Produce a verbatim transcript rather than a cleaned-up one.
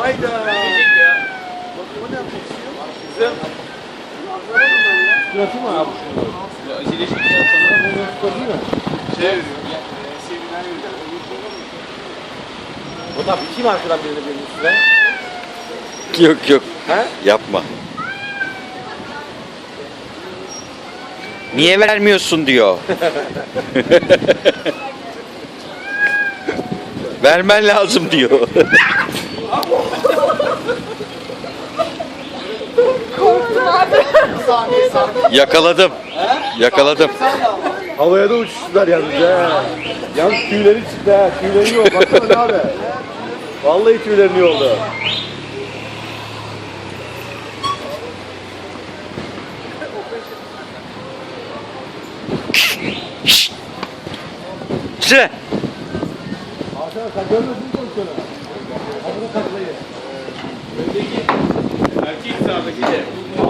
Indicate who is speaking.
Speaker 1: Hayda.
Speaker 2: Gelecek ya.
Speaker 1: O ne yapmak istiyor?
Speaker 2: Kızım.
Speaker 1: Suratı mı abi?
Speaker 2: Ya acele şimdi ya sana.
Speaker 1: Bunu tutabilir mi?
Speaker 2: Şey veriyor. Ya, e, seminer veriyor.
Speaker 1: O da biteyim arkadan birine birinin üstüne.
Speaker 3: Yok yok.
Speaker 1: He?
Speaker 3: Yapma. Niye vermiyorsun diyor. Vermen lazım diyor. Yakaladım. Yakaladım.
Speaker 1: Havaya da uçuştular yalnız ha. Yalnız tüyleri çıktı ha. Tüyleri yok. Baksana ne abi. Vallahi tüylerini yoldu.
Speaker 3: Sıra.
Speaker 1: Hakan sen görmüyorsun mu pozisyonu? Havada taklayı.
Speaker 2: Öndeki erkek sağdaki de.